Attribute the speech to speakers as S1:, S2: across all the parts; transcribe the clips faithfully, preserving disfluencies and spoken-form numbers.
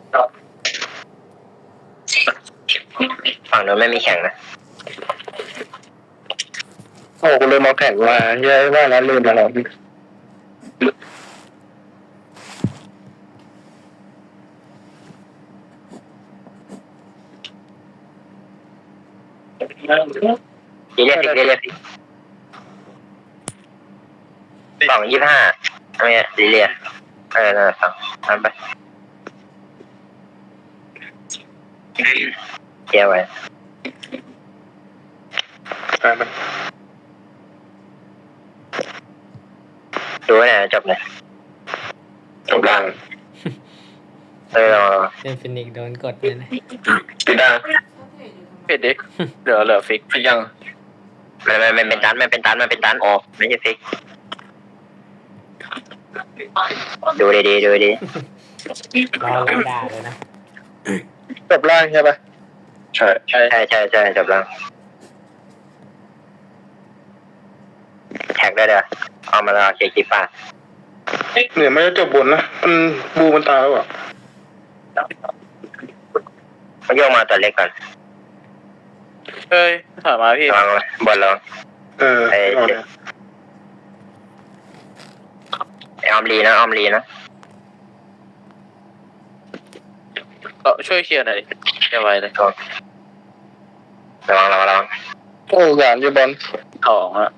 S1: ฝั่งนู้นไม่มีแข่งนะ
S2: โอ้กูเลยมาแข่งมาเยอะว่าแล้วลืมแล้ว
S1: ดีเรียกดีเรียกสองยี่ห้าอะไรเนี่ยดีเรียกเออนั่นสองทำไปเกี่ยวไว้ดูไว้ไหนจบเลยจบล่างเออ
S3: เป็นฟินิกโดนกดเลยนะ
S2: ปิดได้
S4: ปิดดิเหลือเหลือฟิก
S2: ฟิกยัง
S1: มันมันมันเป็นตันมันเป็นตันมันเป็นตันออกไม่ใช่ฟิกดูดีดีดูดี
S3: รอเลยด่าเลยนะ
S2: จบล่างใช่ปะใช่
S1: ใช่ใช่ใช่ใช่จบล่างแท็กได้เด้อเอามาแล้วเกียร์กีป้า
S2: เหนือไม่ได้จบบนนะมันบูมันตายแล้วอ่ะ
S1: มาโยกมาตัวเล็กก่อน
S4: เฮ้ยถามมาพี่
S1: ลองบอลลอง
S2: เออ
S1: ไอไอออมลีนะออมลีนะ
S4: เออช่วยเคลียร์หน่อยเคลียร์ไว้เลย
S1: ระวังระวังระวัง
S2: โอ้ยานอยู่บอล
S4: สองอะ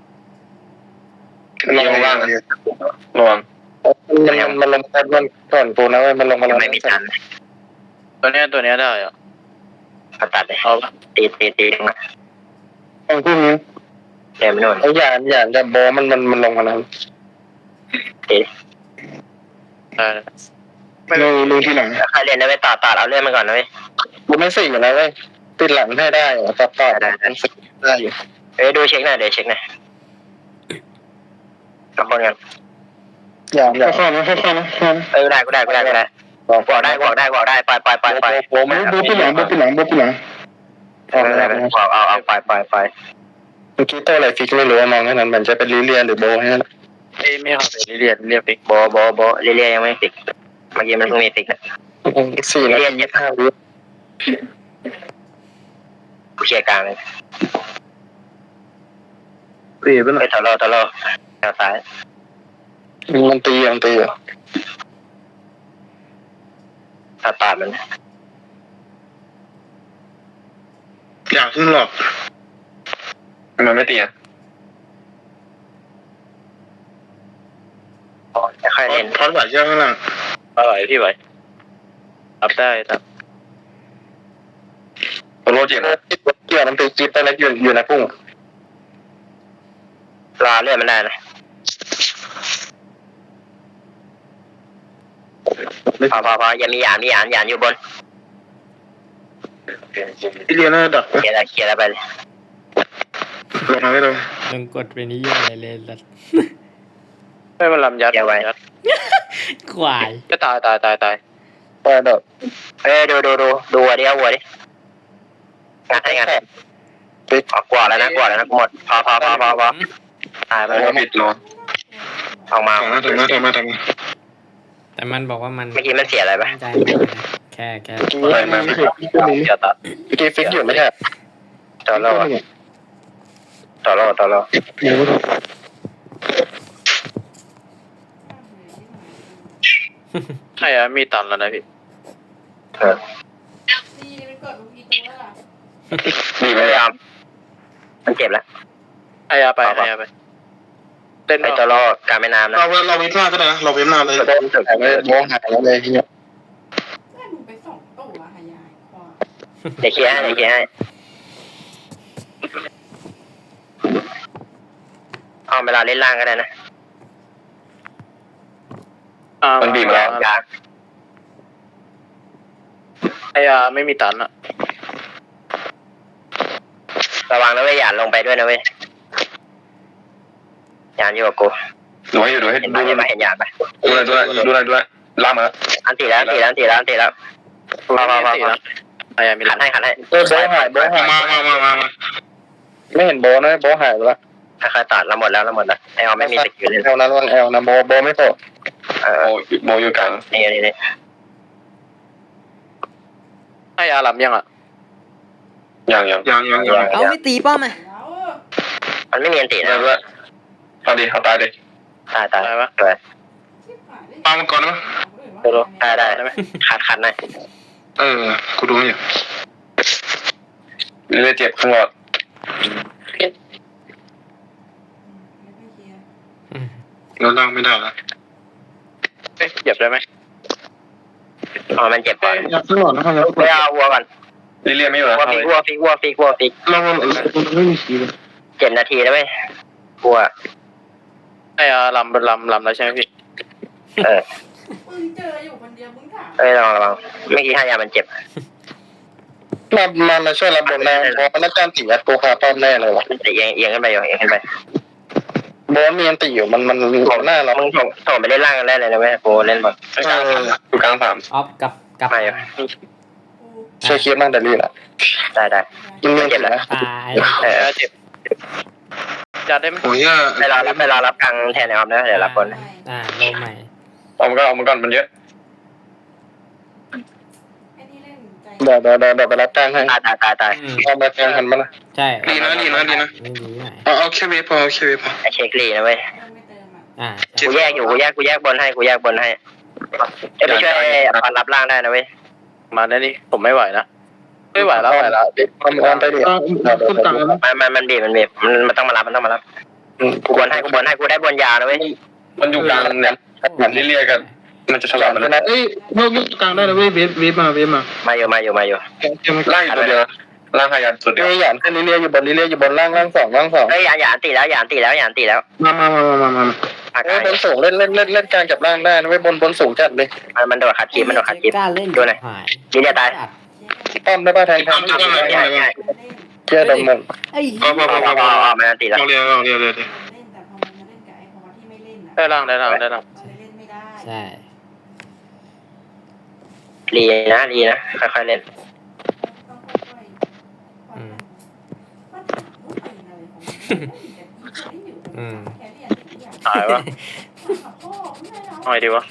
S2: ลงล่างระวังมันมันลงแค่บอลก่อนปูนะเว้ยมันลงมาลง
S1: ไม่มีทัน
S4: ตัวเนี้ยตัวเนี้ยได้อ่ะ
S1: เขาตัดเลยเอาตีตีตีลงมา
S2: ตรงที่นี้
S1: เดี๋ยวมันโน่น
S2: ไอ้ยานยานจะโบมันมันมันลงมาแล้ว
S1: ตี
S4: ได้
S2: ไม่รู้รู้ที่ไหน
S1: ใครเล่นได้ไปต่อต่อเอาเลื่อนมาก่อนนะเว้ย
S2: กูไม่สิ่งอะไรเว้ยติดหลังให้ได้เหรอต่อต่อได้ได้อยู่
S1: เอ้ยดูเช็คหน่อยเดี๋ยวเช็คหน่อยกับคนกัน
S2: อย่างอย่างค่อยๆนะค่อยๆนะ
S1: เออได้กูได้กูได้กูได้บอกได้บอกได้บอกได้ปล่อยปล่อยปล่อยปล่อย
S2: โบมันโบที่หลังโบที่หลังโบที่หลัง
S1: เอาเอาเอาเอาปล่อยปล่อยปล่อย
S2: เมื่อกี้ตัวอะไรฟิกไม่รู้มองแค่นั้นมันจะเป็นลิเลียนหรือโบแค่นั้น
S4: ไม่ไม่เอาไปเรียนเรียนฟิก
S1: โบโบโบเรียนยังไม่ฟิกเมื่อกี้มันเพิ่งมีฟิกนะ
S2: สี่นาทียี่สิบห้าวิ
S1: กูเชียร์กลางเลย
S2: ตีไปหน่อย
S1: ไปทะเลาะทะเลาะแนวซ้าย
S2: มันตีมันตีอ่ะ
S1: ถ้าตัดมัน
S2: อยากขึ้นหรอกมันไม่ตีอ่ะ
S1: ค่อยเล่น
S2: ทอดไหวเยอะข้างล่าง
S4: ไหวพี่ไหวรับได้ครับ
S2: โรเจนเกี่ยวมันตีจิ๊บไปแล้วอยู่อยู่ในพุ่ง
S1: รอเลื่อนมันได้นะพอพอพอยังมีหยานมีหยานหยานอยู่บน
S2: ที่เรียนน่าดัก
S1: เคลียร์เคลียร์แล้วไปเลย
S2: ลงมาไม่ลง
S3: ลงกดไปนี้ยังไงเลยล่ะ
S4: ไม่มาลำยัด
S1: เดี๋ยวไว้
S3: ควาย
S4: ก็ตายตายตายตาย
S2: ตายแบบ
S1: เอ้ยดูดูดูดูวัวดิเอาวัวดิงานให้งานปิดกว่าแล้วนะกว่าแล้วนะหมดพอพอพอพอพอตายไปแล้ว
S2: ปิดรอ
S1: ออกมา
S2: ทำมาทำมาทำมาทำมา
S3: แต่มันบอกว่ามัน
S1: เมื่อกี้มันเสียอะไรปะ
S3: ใจแค่แค่
S2: อะไรมาไม่ถูก
S1: จะตัด
S2: เมื่อกี้ฟิกอยู่ไม่ใช่
S1: ต่อรอต่อรอต่อรอ
S4: ใช่อะมีตันแล้วนะพี่
S1: เออดีไม่ยอมมันเจ็บแล้ว
S4: ไอ้ยาไปไอ้ยาไป
S1: เล่นไปต่อรอการแม่น้ำนะ
S2: เราเราเว้นหน้าก็ได้นะเราเว้นหน้าเลยมองหายแล้วเลยทีเนี้ย
S5: ไปสองตัวหายายกว่า
S1: เดี๋ยวเคลียร์ให้เดี๋ยวเคลียร์ให้เอาเวลาเล่นล่างก็ได้นะ
S4: มันบีบแล้วไอ้ยาไม่มีตันอะ
S1: ระวังนะเว้ยหยาดลงไปด้วยนะเว้ยหยาดอยู่กับกู
S2: ดูให้ดูให้
S1: ดูให้มาเห็นหยาดปะ
S2: ดูอะไรดูอะไรดูอะไรดูอะไรล่ามา
S1: อันตีแล้วอันตีแล้วอันตีแล้วอันตีแล้วมามามามา
S4: ไอ้ยามี
S1: ขันให้ขันให้
S2: เออโบหายโบหายมามามามาไม่เห็นโบนะโบหายแล้ว
S1: ค่อยๆตัดเราหมดแล้วเราหมดแล้วไอออมไม่มีสกิลเลย
S2: แอลนะระวังแอลนะโบโบไม่โตเออโบอยู่กลาง
S1: นี่นี่นี่
S4: ให้อารัมยังอ่ะ
S2: ยังยังยังยังยัง
S3: เอาไม่ตีป้อมอ่ะ
S5: แล้ว
S1: มันไม่มีอันติ
S2: ได้
S1: นะ
S2: ด้วยเอาดิเอาตายดิ
S1: ตายตาย
S4: ได้ปะ
S1: เลย
S5: ชิบหายได้
S2: ปามันก่อนนะ
S1: ได้ได้ได้ไหมขาดขาดหน่อย
S2: เออกูดูอยู่เลือดเจ็บข้างหลอด
S3: อืม
S2: แล้วล่างไม่ได้ละ
S4: เอ๊ะเหยียบได้ไหม
S1: อ๋อมันเจ็บก่อน
S2: อยากข้างหลอดนะครับ
S1: ไปเอาวัวก่อน
S2: ลิเลียไม่อยู่แล้ว
S1: วัวฟิกวัวฟิกวัวฟิกวัวฟิก
S2: เราไม่มีคีย์
S1: เจ็ดนาทีแล้วไหมวัว
S4: ให้อารัมเป็นลำลำแล้วใช่ไหมพี่
S1: เออ
S5: มึงเจออยู่คนเดียวมึงถาม
S1: เอ้ยระวังระวังเมื่อกี้ให้ยามันเจ็บ
S2: มามามาช่วยรับบนแรงเพราะนักการตีอัดตัวคาป้อมแน่เลยวะ
S1: เอียงเอียงขึ้นไปอยู่เอียงขึ้นไป
S2: บอสมีอันตีอยู่มันมันของหน้าเรา
S1: มึงส่งส่งไปเล่นล่างกันได้เลยนะเว้ยโปเล่นบอล
S2: กลางสามอยู่กลางสาม
S3: ออฟกับกับ
S1: ไม่อะ
S5: กู
S2: ช่วยเคลียร์บ้างแต่ลีละ
S1: ได้ได้
S2: มันมีเจ็บแล้ว
S3: ตาย
S1: เออ
S4: เจ็บจัดได้ไหม
S2: โอ้ย
S1: ไปรอรับไปรอรับกลางแทนนะครับนะเดี๋ยวรับบอล
S3: อ่าโลใหม่
S2: เอามันก็เอามันก่อนมันเยอะ
S5: ไอ้นี่เล่นใจ
S2: เดี๋ยวเดี๋ยวเดี๋ยวไปรับกลางให้
S1: ตายตายตายตาย
S3: อืม
S2: เอามาแทนทันมาละ
S3: ใช่
S2: ดีนะดีนะดีนะ
S3: ไม่ดีหน่อย
S2: เอาเอาแค่เวฟพอเอาแค่เวฟพอ
S1: ไอเช็คลีนะเว้ย
S5: เติมไม่เติมอ่ะ
S3: อ่า
S1: กูแยกอยู่กูแยกกูแยกบนให้กูแยกบนให้เอ้ยไปช่วยบอลรับล่างได้นะเว้ย
S4: มาได้นี่ผมไม่ไหวนะไม่ไหวแล้วไหวแล้ว
S2: เอาเอาไปดิ
S1: มันมันมันบีบมันบีบมันมันต้องมารับมันต้องมารับกูบนให้กูบนให้กูได้บนยาวนะเว้ย
S2: มันอยู่กลางเนี่ยเหมือนเรียกกันมันจะฉลาดมันนะเอ้ยพวกยุคกลางได้เลยเว้ยเวฟเวฟมาเวฟมา
S1: มาอยู่มาอยู่มาอยู่
S2: ล่างอยู่ตัวเดียวล่างขยันสุดเดียวหยานขึ้นเรื่อยๆอยู่บนเรื่อยๆอยู่บนล่างล่างสองล่างสอง
S1: เอ้ยหยานหยานตีแล้วหยานตีแล้วหยานตีแล้ว
S2: มามามามามาเอ้ยบนสูงเล่นเล่นเล่นเล่นกลางกับล่างได้นะเว้ยบนบนสูงจัดเลย
S1: มันมันโดดขัดคีบมันโดดขัดคีบ
S3: กล้าเล่น
S1: ดูหน่อย
S3: หาย
S1: ยินดีตาย
S2: ป้อมได้ป่ะแทงแทง
S1: ใช่ใช่
S2: เชื่อดมง
S3: ไอ้
S1: พอพอพอพอมันตีแล้ว
S2: เอาเรียวเอาเรียวเรียว
S5: เล่นแต่พอมันมาเล่นกับไอ้พอที่ไม่เล่นอ่ะ
S4: ได้ล่างได้ล่างได้ล่าง
S5: มันเลยเล่นไม่ได้
S3: ใช่
S1: รีนะรีนะค่อยๆเล่น
S5: ต้องค่อยๆมันถามว่าเป็นอะไรของมันอยู่แค่เรียนอย่าง
S4: หายวะ
S5: พ่อไม่ได้
S4: เอาไงดีวะ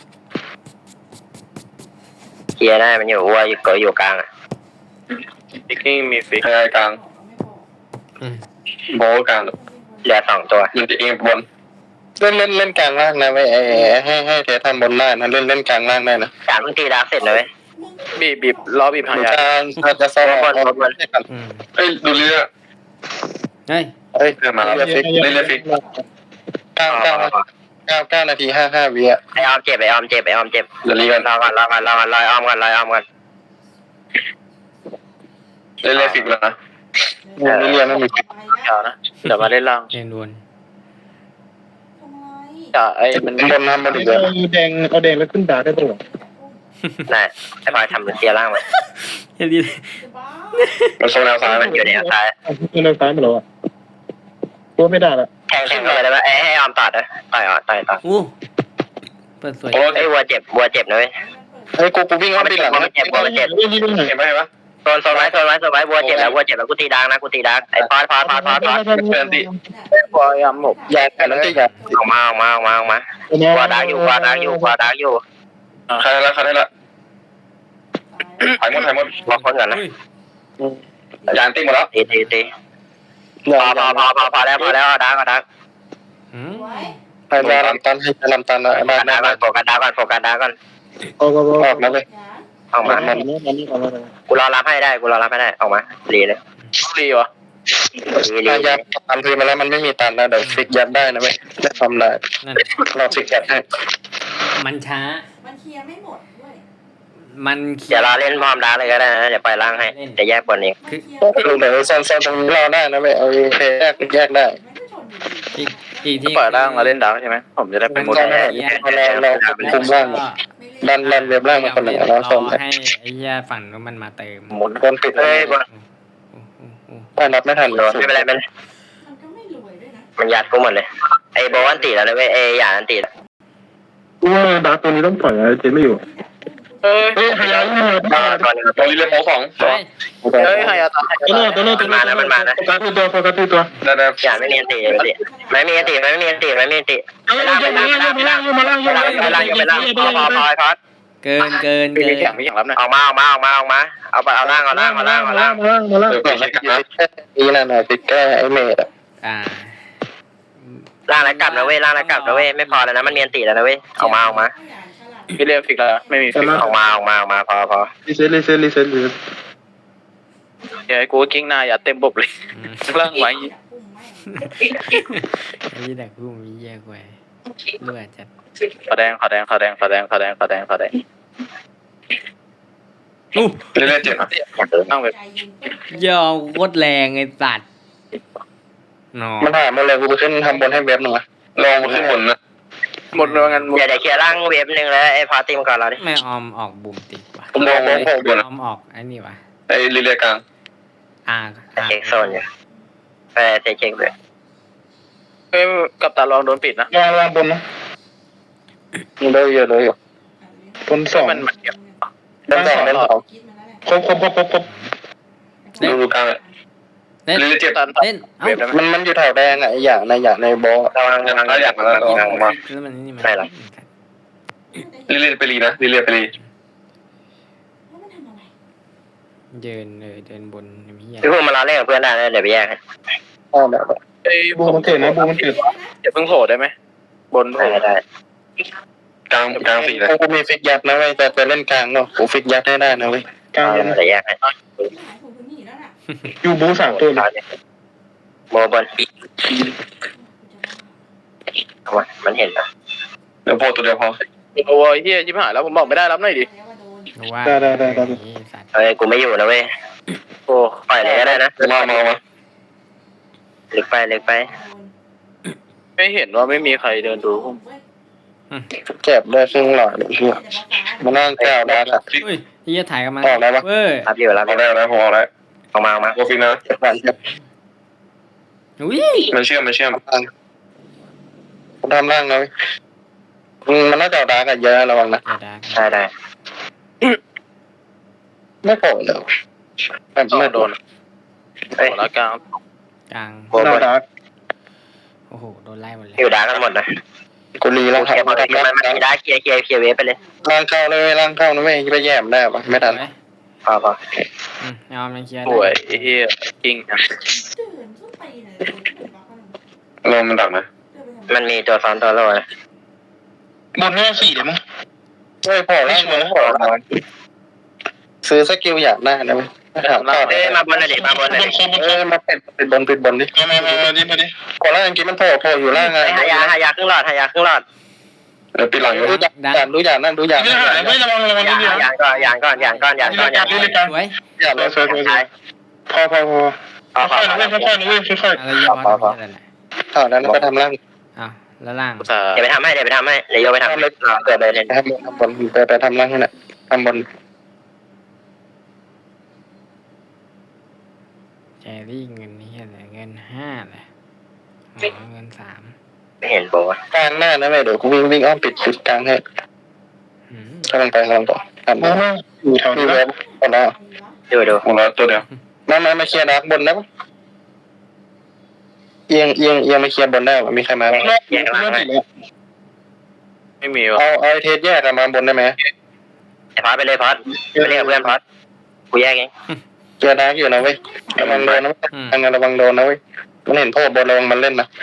S1: เคลียร์ได้มันอยู่วัวอยู่เกยอยู่กลางอ่ะ
S4: ฟิกกิ้งมีฟิก
S2: ขยายกลาง
S3: อืม
S2: โบกลาง
S1: เหลือสองตัว
S2: มันจะเองบนเล่นเล่นเล่นกลางล่างนะเว้ยให้ให้เททำบนได้นะเล่นเล่นกลางล่างได้นะ
S1: สามเพิ่งตีดาร์กเสร็จเลย
S4: บีบบีบล้อบีบหาง
S2: ก
S4: ยา
S2: ลางอาจจะซ้อมบอลบอล
S3: อืม
S2: เอ้ยดูเรือ
S3: เฮ้ย
S2: เอ้ยเรือมาแล้วเรือฟิกเรือฟิกเก้าเก้าเก้าเก้านาทีห้าห้าวิอ่ะ
S1: ไอออมเจ็บไอออมเจ็บไอออมเจ็บ
S2: เดี๋ยวรีกัน
S1: รอก่อนรอก่อนรอก่อนรอออมก่อนรอออมก่อน
S2: เรือฟิกแล้วนะเรือเรือไม่มีฟิก
S4: เดี๋ยวนะเดี๋ยวมาเล่นล่าง
S3: เล่นวน
S5: ทำไม
S4: จะไอ้มัน
S2: บนน้ำบนเรือแดงเอาแดงแล้วขึ้นดาได้ตัว
S1: น่ะไอพลอยทำเคลียร์ล่างมา
S3: เฮ้ยดี
S5: จะบ้า
S2: มันโซนแนวซ้าย
S1: มันอยู่ในซ้าย
S2: แนวซ้ายมาแล้วอ่ะตัวไม่ได้ละ
S1: แทงแทงเลยได้ไหมไอให้ออมตัดนะต่อยอ่ะต่อยต่อย
S3: อู้เปิดสวย
S2: โอ้
S1: ไอวัวเจ็บวัวเจ็บนะเว้ย
S2: เฮ้ยกูกูวิ่งเข้าไปหลังเห็นไหมเห็นไหม
S1: โซนโซนไว้โซนไว้โซนไว้วัวเจ็บแล้ววัวเจ็บแล้วกูตีดังนะกูตีดังไอพอดพอดพอดพอดพอด
S2: เดินดิ
S4: พยายามหมก
S2: ยาแต่นั้นที่ยา
S1: ออกมาออกมาออกมาออกมาวัวดักอยู่วัวดักอยู่วัวดักอยู่
S2: ใครละใครละหายหมดหายหมด
S1: วัวคนก่อนนะ
S3: อุ้ย
S2: ยานตีหมดแล้ว
S1: ตีตีตีพอพอพอพอพอแล้วพอแล้วดักก็ดัก
S3: อืม
S5: ไว้
S2: ให้ยาลำตันให้ยาลำตันนะ
S1: โฟ
S2: บ้า
S1: กัสดักก่อนโฟกัสดักก่อนโฟกัสดักก่อน
S2: ออกมาเลย
S5: อย่า
S1: ออกมากูรอรับให้ได้กูรอรับให้ได้ออกมารีเลย
S4: ดีวะ
S1: รีรี
S2: ถ้ายาตันทีมาแล้วมันไม่มีตันนะเดี๋ยวฟิกยัดได้นะเว้ยได้ทำได้
S3: นั่น
S2: เราฟิกยัดให้
S3: มันช้า
S5: มันเคลียร์ไม่หมดด้วย
S3: มัน
S1: เดี๋ยวรอเล่นพร้อมดักเลยก็ได้นะเดี๋ยวปล่อยล่างให้เดี๋ยวแยกบนเอง
S5: มันเคลียร์
S2: ดูเดี๋ยวโซนโซนตรงนี้เราได้นะเว้ยเอาแยกแยกได้
S5: ไม่ได้ชนอยู่ดี
S3: อีกอีกที่
S4: เปิดล่างมาเล่นดาวใช่ไหมผมจะได้เป็นหมด
S2: เราเราคุมล่าง
S5: ไม่เล่น
S2: ดันดันเว็บล่างมาคนหนึ่งแล้ว
S3: ร
S2: ส่
S3: อง ให้ไอ้เหี้ยฝั่งนู้นมันมาเติม
S2: หมุนบนปิดเล
S1: เฮ้
S2: ย
S1: ยบน
S3: อู้อู้อู้
S2: ได้รับไม่ทัน
S1: โดนไม่เป็นไรเป็น
S5: มันก็ไม่รวยด้วยนะ
S1: มันยัดกูหมดเลยไอ้โบวันตีแล้วนะเว้ยไอ้หยาอันตีแล้ว
S2: ว่าดาตัวนี้ต้องปล่อยเจไม่อยู่
S4: เอ้ย
S2: เฮ้ยหายา
S1: มาตอนนี้
S2: ตัวนี้เลยโป๊สอง
S3: เฮ้ย
S4: เอ้ยหายาตา
S2: ตัวนู้นตัวนู้นตัวนู้นโฟกัสที่ตัวโฟกัสที่ตัวได้ได้
S1: หยาไม่มีอันตีไม่ตีไม่มีอันตีไม่มีอันตีไม่มีอันตี
S2: เอาล่างมาล่างมาล่างมาล่างมาล่าง
S1: ไปล่างอยู่ไปล่างพอพอพอพอ
S3: เกินเกิน
S4: ไม่
S3: เกิ
S4: มี
S3: น
S4: แข่งไม่แข่งรับนะ
S1: ออกมาออกมาออกมาออกมาเอาไปเอาล่างเอาล่างเอาล่างเอาล่าง
S2: มาล่างมาล่างเดี๋ยวก่อนนะนี่นั่นน่ะติดแก้ไอ้เมดอ่ะ
S3: อ่า
S1: ล่างแล้วกลับนะเว้ยล่างแล้วกลับนะเว้ยไม่พอแล้วนะมันเมียนตีแล้วนะเว้ยออกมาออกมา
S4: พี่เรียกฟิกแล้วไม่มีฟิก
S1: ออกมาออกมาออกมาพอพอ
S2: รีเซ็ตรีเซ็ตรีเซ็ตรีเซ็ต
S4: เดี๋ยวกูกิ้งหน้าอย่าเต็มบบเลย
S3: อืม
S4: ล่างไว้
S3: ไอ้ยี่แต่กูมีแย่กว่าเลือดจัด
S4: ขอแดงขอแดงขอแดงขอแดงขอแดงขอแดงขอแดง
S3: อู้
S2: เรื่อยๆเจ็บอ่ะ
S4: ตั้งเว็บ
S3: ยอมโคตรแรงไอ้สัตว์นอ
S2: มันหายหมดเลยกูไปขึ้นทำบนให้เว็บหนึ่งอ่ะลองมาขึ้นบนนะ
S4: หมดเลยงั้น
S1: เดี๋ยวเดี๋ยวเคลียร์ล่างเวฟหนึ่งแล้วไอ้พอตีมก่อนเราดิ
S3: ไม่ออมออกบุ่มติดว่ะ
S2: ผมลองมองโผล่บน
S3: ออมออกไอ้นี่ว่ะ
S2: ไอ้ลิเลียกลาง
S3: อ่า
S1: เช็คโซนอยู่ไปเช็คด้วย
S4: เอ้ยกับตาลองโดนปิดนะ
S2: ลองลองบนนะเลยเยอะเลยอยู่บนสอง
S4: มันมันเก็บ
S2: เล่นสองเล่นสองครบครบครบครบครบดูดูกลางเลย
S3: เล่น
S2: ลิเลียเจ็บ
S4: ตัน
S3: เล่นเอ้า
S4: เว็บได้ไหม
S2: มันมันอยู่แถวแดงอ่ะไอ้อย่างในอย่างในบอ
S1: ระวังระวัง
S2: อยากมาแล้วออกมา
S3: แล้วมันนี่มัน
S1: ไม่หรอ
S2: ลิเลียไปรีนะลิเลียไปรี
S3: เดินเลยเดินบนไอ้เหี้ย
S1: พี่พูดมาเราเล่นกับเพื่อนได้เลยเดี๋ยวไปแยกให้
S2: อ้าวแบบ
S4: เอ้ย
S2: บูมันเกิดนะบูมันเกิด
S4: อย่าเพิ่งโผล่ได้ไหมบนโผล่
S1: ได้ได้
S2: กลางกลางสี่เลยกูมีฟิกยัดนะเว้ยแต่จะเล่นกลางเนาะกูฟิกยัดให้ได้นะเว้ยกลาง
S1: เดี๋ยวแยกให้
S2: อยู่บูสามตัว
S1: โมบนเอามามันเห็นนะ
S2: เดี๋ยวโผล่ตัวเดียวพอ
S4: โอ้ยเฮียชิบหายแล้วผมบอกไม่ได้รับหน่อยดิ
S3: ว่า
S2: ได้ได้ได้ได้
S3: ไอ้สัตว์
S1: เฮ้ยกูไม่อยู่นะเว้ย
S4: โอ้
S1: ปล่อยเลยก็ได้นะ
S2: มามามา
S1: เล็กไปเล็กไป
S4: ไม่เห็นว่าไม่มีใครเดินดู
S2: เจ็บได้ครึ่งหลอดเชื่อมานั่งแก้วได้ละ
S3: เฮ้ยเหี้ยถ่ายกันมา
S2: ออกได้ปะ
S3: เว้ย
S1: รับอยู่รับอ
S2: เอา
S1: ยู่
S2: ได้แล้วพอแล้ว
S1: ออกมาออกมา
S2: โกฟินะ
S3: อุ้ย
S2: มันเชื่อมมันเชื่อมทำร่างเลยมันน่าจะดากันเยอะระวังนะ
S3: อย่าด่า
S1: ได้ได้
S2: ไม่โผล่เลยแบบ
S4: ต้อ
S2: ไม่
S4: ง
S2: โด
S4: โด
S2: น
S4: นโผล่แล้วกลาง
S3: กลาง
S1: โมบน
S3: โอ้โหโดนไล่หมดเลย
S1: อยู่ด่ากันหมดนะ
S2: กูรีแล้ว
S1: เคลียร์หมดเลยมันมันมีด่าเคลียร์เคลียร์เคลียร์เวฟไปเลย
S2: ร่างเข้าเลยร่างเข้านะไม่ไปแย่มได้ปะไม่ทัน
S3: ไว้
S1: พอพอ
S3: อืมยอมมันเคลียร์
S4: ป่วยเฮียจริงนะ
S2: ลมมันดักนะ
S1: มันมีตัวซ้อนตัวโล่นะ
S2: บนหน้าสี่เดี๋ยวมั้งเฮ้ยพอแล้วมันพอแล้วซื้อสกิลอยากได้นะเว้ยถามต่อ
S1: เอ้ยมาบนหน่อยดิมาบนหน่อยดิ
S2: เออมาเป็ดเป็ดบนเป็ดบนดิมามามาดิมาดิก่อนหน้าเมื่อกี้มันโผล่โผล่อยู่ล่างไง
S1: หายาหายาครึ่งหลอดหายาครึ่งหลอด
S2: เดี๋ยวปีหลังดูอย่างดูอย่างนั่นดูอย่างนั่นไม่ระวังระวัง
S1: ยา
S2: นิดเดียวย
S1: างก่อนยางก่อนยางก่อนยางก่อนยางก่อน
S3: สวย
S2: อย่างเลยเฟิร์สพอพอพอ
S1: พอพอ
S2: ค่อยๆค่อยๆนะเว้ยค่อย
S3: อะไรเยอะวะอะไรแหละ
S2: ๆข่าวนั้นก็ทำร่าง
S3: อ้าวแล้วล่าง
S4: อุตส่าห์
S1: เดี๋ยวไปทำให้เดี๋ยวไปทำให้เดี๋ยวโยไปทำเลยเกิดเลยเนี่ย
S2: ทำทำบนไปไปทำร่างให้น่ะทำบน
S3: แจรี่เงินนี่อะไรเงินห้าเลยอ๋อเงินสาม
S1: ไม่เห็นโบะ
S2: กลางหน้านะเว้ยเดี๋ยวกูวิ่งวิ่งอ้อมปิดปิดกลางให้
S3: อืม
S2: กำลังไปกำลังต่อทำอยู่แถวนี้เว็บหมดแล้ว
S1: ดูดู
S2: หมดแล้วตัวเดียวมามามาเคลียร์ดาร์กบนได้ปะเอียงเอียงเอียงมาเคลียร์บนได้ปะมีใครมา
S1: แยกหลังให้
S4: ไม่มีวะ
S2: เอาเอาไอเทสแยกกันมาบนได้ไหม
S1: ไอ้พอดไปเลยพอดไปเรียกเพื่อนพอดกูแยกเอง
S2: เคลียร์ดาร์กอยู่นะเว้ยระวังโดนนะทางงานระวังโดนนะเว้ยมันเห็นโทษบนระวังมันเล่นนะ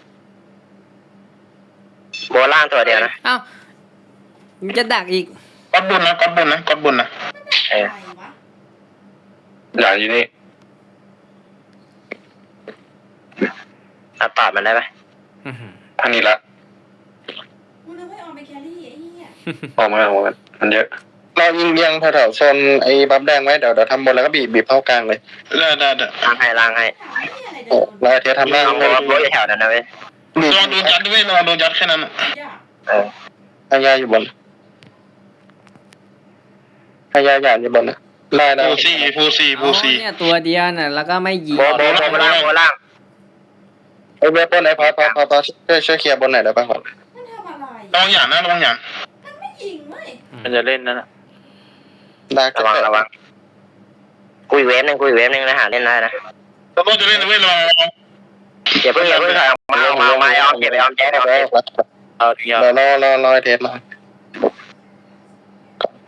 S1: โบล่างตัวเดียวนะ
S3: อ้าวมันจะดักอีก
S2: กดบนนะกดบนนะกดบนนะ
S1: เออ
S2: อย่าอยู่นี่
S1: ตัดตอดมันได้ปะ
S3: อื้อหือ
S2: อันนี้ละ
S5: กูนึกว่าออมไปแครี่ไอ้เหี้ย
S2: ออกมาออกมามันเยอะเรายิงเรียงแถวๆโซนไอ้บัฟแดงไว้เดี๋ยวเดี๋ยวทำบนแล้วก็บีบบีบเข้ากลางเลยได้ได้ได้
S1: ล่างให้ล่างให้
S2: โอ้เราไอเทสทำร่าง
S1: โบโบอยู่แถวนั้นนะเว้ย
S2: บีบโดนยัดด้วยโดนยัดแค่นั้น
S1: เออ
S2: พายาอยู่บนพายาหยาดอยู่บนนะได้ได้ฟูซี่ฟูซี่
S3: อ๋อเนี่ยตัวเดียวน่ะแล้วก็ไม่ยิง
S1: โบโบโบล่างโบล่าง
S2: ไอ้เว็บบนไหนพอพอพอพอช่วยช่วยเคลียร์บนไหนได้ป่ะก่อน
S5: มันทำอะไร
S2: ระวังหยาดนะระวังหยาด
S5: มันไม่ยิงเว้ย
S4: มันจะเล่นนั่นแหละ
S2: ได้
S1: ระวังระวังกุยเวฟหนึ่งกุยเวฟหนึ่งนะหาเล่นได้นะ
S2: เราก็จะเล่นนะเว้ยระวัง
S1: อย่าเพิ่งอย่าเพิ่งถอยออกมาออกมาออกมาออมเก็บไปออมแจ๊กเอาเก็บ
S4: เอาทิ้งยาว
S2: รอรอรอรอไอเทสมา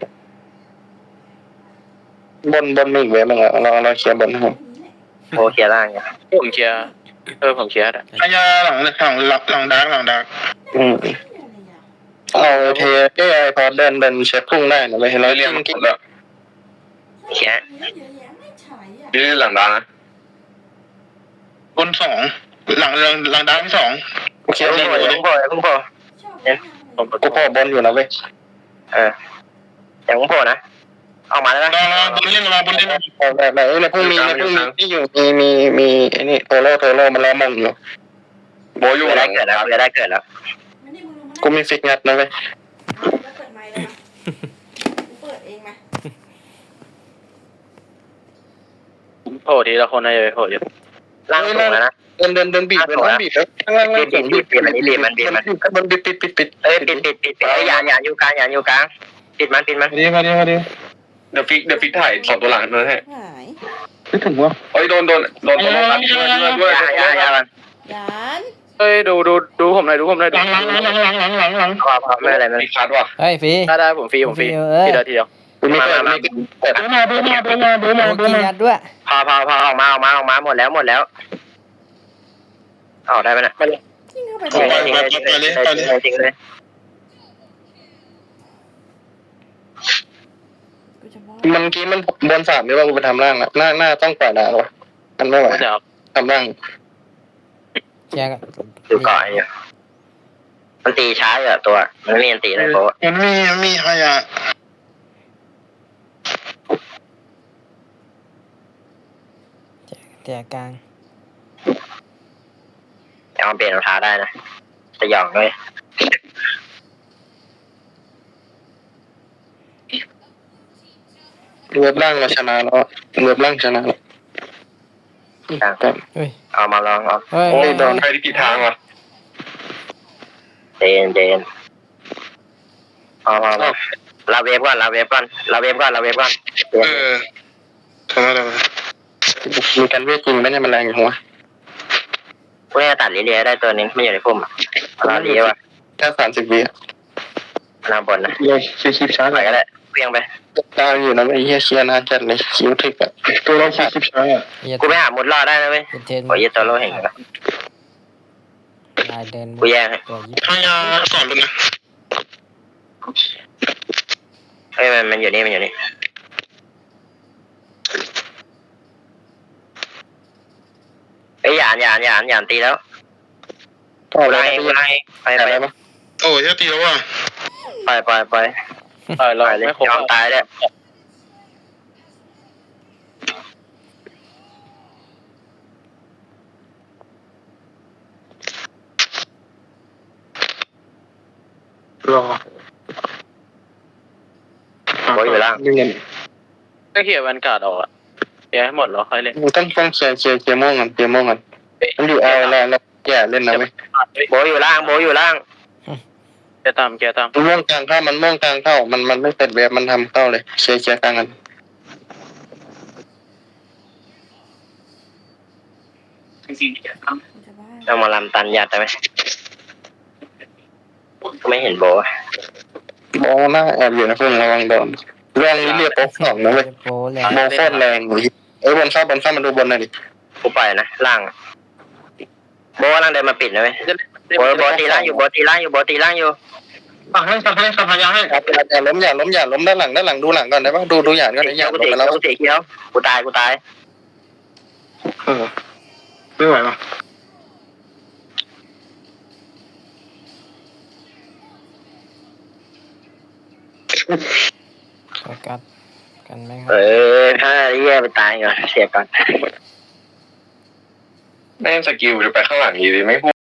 S2: บนบนมีอีกเว็บนึงอะเราเราเคลียร์บนให้ผม
S1: โบเคลียร์ล่างอยู่
S4: ผมเคลียร์เออผมเคลียร์ได้
S2: พยาหลังหลังหลังหลังดักหลังดักอืมเอาเทเอ้ไอพอเดินเดินเช็คพุ่งได้นะเลยเราเรียกมันกินแล้ว
S1: เคลียร์
S2: ยืดหลังดักนะบนสองหลังหลังหลังดักที่สองโอเค
S1: เพิ่ง
S2: โอ
S1: โผล่
S2: เค
S1: เพิ่งโผล่เพิ่งโผล่
S4: ผม
S2: กูพอบนอยู่นะเว้ย
S1: เออเดี๋ยวเพิ่งโผล่นะออกมาแล้วนะ
S2: รอรอบนเล่นรอบนเล่นแบบแบบในพุ่งมีในพุ่งมีที่อยู่มีมีมีไอ้นี่โทโร่โทโร่มันรอมงอยู่โบอยู่
S1: เกิด
S2: หลั
S1: ได้
S2: ง
S1: เกิดแล้วเกิดได้เกิดแล้ว
S2: กูมีฟิกงัดนะเว้ย
S5: เปิดไมค์แล้วนะเปิดเองไหม
S4: โผล่ทีละคนนะอย่าไปโผล่เยอะ
S1: ล่างสูงแล้วนะ
S2: เดินเดินเดินบีบเดินบีบแล้วข้างล่างล่างสูงบีบบีบบีบมันบีบมันมันบีบปิดปิดปิด
S1: เอ้ยปิดปิดปิดปิดเอ้ยอย่าอย่าอยู่กลางอย่าอยู่กลางปิดมันปิดมัน
S2: มาดิมาดิมาดิเดี๋ยวฟิกเดี๋ยวฟิกถ่ายสองตัวหลังนั่นให้
S5: หาย
S2: ไม่ถึงวะเฮ้ยโดนโดนโดนตัวหลังด้วยด้วย
S1: อย่าอย่าอย่ามัน
S5: ยาน
S4: เฮ้ยดูดูดูผมหน่อยดูผมหน่อย
S2: หลังหลังหลังหลังหลังหลังหลัง
S1: พอพอไม่เป็นไรไม่เป็นไร
S2: มีคัดว่ะ
S3: เฮ้ยฟรี
S4: ได้ได้ผมฟรีผมฟรี
S3: เอ้ย
S4: ทีเดียวทีเดียว
S2: กูไม่เคยไม่แต่ดูมาดูมาดูมาดูมา
S3: โอ้
S2: ดู
S3: กิน
S2: มา
S3: ยัดด้วย
S1: พอพอพอออกมาออกมาออกมาหมดแล้วหมดแล้วออกได้ไหมนะ
S5: ยิ่งเข้าไป
S1: ทิ้งเลยทิ้งเลยทิ้งเลยทิ้งเลยทิ้งเลย
S5: กูจะบอก
S2: มันกี้มันบนสามหรือว่ากูไปทำร่างละหน้าหน้าต้องปล่อยดาววะมันไม่ไหว
S4: เดี๋ยว
S2: ทำร่าง
S3: แชร์กัน
S1: ดูก่อนอยู่มันตีช้าอยู่อะตัวมันไม่มีอันตีเลยโบ
S2: มันมีมีใครอ่ะ
S3: แจกกลาง
S1: เอาเปลี่ยนรองเท้าได้นะจะหยองด้วย
S2: เว็บร่างเราชนะแล้วเว็บร่างชนะแล้วแต่
S3: เฮ้ย
S1: เอามาลองเอา
S3: เฮ้ย
S2: โอ้ยโดนใครที่กี่ทางวะ
S1: เดนเดนเอามาเอาลาเวฟก่อนลาเวฟก่อนลาเวฟก่อนลาเวฟก่อน
S2: เออชนะแล้วมีการเวทจริงไหมเนี่ยมันแรงอย่างวะ
S1: พวกนี้ตัดลิเลียได้ตัวนึงไม่อยู่ในพุ่มลาเลียว่ะ
S2: แค่สามสิบวิอ่ะ
S1: นางบนนะ
S2: เย้คิวคิวช้า
S1: ไปก็ได้เพียงไป
S2: ดาวอยู่นะไอ้เหี้ยเชียร์นานจัดเลยคิวถึกอ่ะตัวเราคิวคิวช้าอ่ะ
S3: เหี้ย
S1: กูไปหามุดรอดได้นะเว้ย
S3: เป็นเทน
S1: โอ้ยตัวโลเห็นกัน
S3: ลายเดิน
S1: กูแย่งให้
S3: ตัวยิบ
S2: พยาสอนเลยนะ
S1: เฮ้ยมันมันอยู่นี่มันอยู่นี่เอ้ยหยานหยานหยานหยานตีแล้ว
S2: ก็
S1: กู
S2: อะไร
S1: ไล่กูไล่ไปไป
S2: อะไรปะโอ้ยจะตีแล้วว่ะ
S1: ไปไปไป
S4: เออเรา
S1: ไปเลย
S4: ไม่ครบ
S1: ยอมตายเลย
S2: รอ
S1: โบอยู่ล่าง
S2: เงิน
S4: ก็เคลียร์แวนการ์ดออกอะเคลียร์ให้หมดแล้วค่อยเล่น
S2: ต้องต้องเคลียร์เคลียร์เคลียร์โม่งกันเคลียร์โม่งกันมันอยู่เอาแล้วแล้วแย่เล่นนะเว้ย
S1: โบอยู่ล่างโบอยู่ล่าง
S4: เคลียร์ตามเคลียร์ตาม
S2: มันม่วงกลางเข้ามันม่วงกลางเข้ามันมันไม่เป็นเวฟมันทำเข้าเลยเคลียร์เคลียร์กลางกัน
S5: กูจะบ้า
S1: เอามาลำตันยัดได้ไหมไม่เห็นโบ
S2: มองหน้าแอบอยู่นะเพื่อนระวังโดนเรื่องนี้เรียกโป๊กสองนะเว้ย
S3: โปรแรง
S2: โมโคตรแรงเลยเอ้ยบนเข้าบนเข้ามาดูบนหน่อยดิ
S1: กูปล่อยนะล่างโบล่างเดินมาปิดนะเว้ยโบโบตีล่างอยู่โบตีล่างอยู่โบตีล่างอยู่
S2: ฝั่งให้ฝั่งให้ฝั่งพยาให้อย่าล้มอย่าล้มอย่าล้มด้านหลังด้านหลังดูหลังก่อนได้ปะดูดูอย่างก่อนไอ้อย่าง
S1: กู
S2: ลง
S1: เสีย
S2: ไปแล้ว
S1: กูเสียเขียวกูตายกูตาย
S2: เออไม่ไหวปะ
S3: โฟกัสกันไหมครั
S1: เอบ อถ้าเรียไปตายก่อนเสียก่อน
S2: แม่งสกิลจะไปข้างหลังอยู่ดีไม่พูด